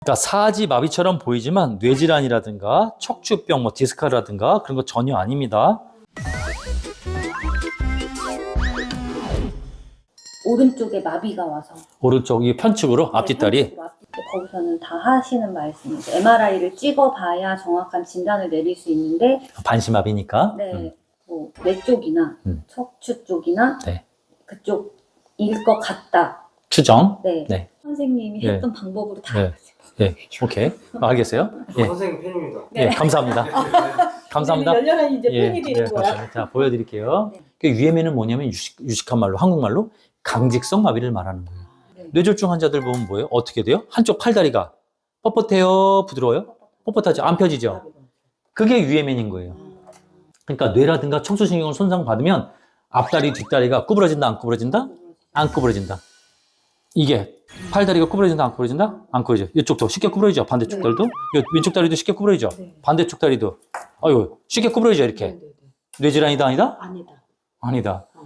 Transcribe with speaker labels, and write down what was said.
Speaker 1: 그러니까 사지마비처럼 보이지만 뇌질환이라든가 척추병, 뭐 디스크라든가 그런 거 전혀 아닙니다.
Speaker 2: 오른쪽에 마비가 와서
Speaker 1: 오른쪽 이 편측으로 앞뒷다리.
Speaker 2: 편측으로 앞뒤. 거기서는 다 하시는 말씀이죠. MRI를 찍어봐야 정확한 진단을 내릴 수 있는데
Speaker 1: 반시마비니까.
Speaker 2: 네, 뭐 뇌 쪽이나 척추 쪽이나
Speaker 1: 네.
Speaker 2: 그쪽일 것 같다.
Speaker 1: 추정.
Speaker 2: 네.
Speaker 1: 네.
Speaker 2: 선생님이
Speaker 1: 네.
Speaker 2: 했던 방법으로 다
Speaker 1: 네. 네. 오케이. 알겠어요? 예.
Speaker 3: 선생님 팬입니다.
Speaker 1: 예, 감사합니다. 감사합니다.
Speaker 2: 열렬한 이제
Speaker 1: 예,
Speaker 2: 팬이 되는
Speaker 1: 예,
Speaker 2: 거야.
Speaker 1: 감사합니다. 자, 보여드릴게요.
Speaker 2: 네.
Speaker 1: 그 UMN은 뭐냐면 유식한 말로, 한국말로 강직성 마비를 말하는 거예요.
Speaker 2: 네.
Speaker 1: 뇌졸중 환자들 보면 뭐예요? 어떻게 돼요? 한쪽 팔다리가 뻣뻣해요? 부드러워요? 뻣뻣하죠? 안 펴지죠? 그게 UMN인 거예요. 그러니까 뇌라든가 청소신경을 손상받으면 앞다리, 뒷다리가 구부러진다, 안 구부러진다? 안 구부러진다. 이게 팔다리가 구부러진다, 안 구부러진다? 안 구부러져. 이쪽도 쉽게 구부러지죠? 반대쪽
Speaker 2: 네.
Speaker 1: 다리도? 이 왼쪽 다리도 쉽게 구부러지죠?
Speaker 2: 네.
Speaker 1: 반대쪽 다리도. 아유, 쉽게 구부러지죠, 이렇게.
Speaker 2: 네.
Speaker 1: 뇌질환이다, 아니다?
Speaker 2: 아니다.
Speaker 1: 아니다.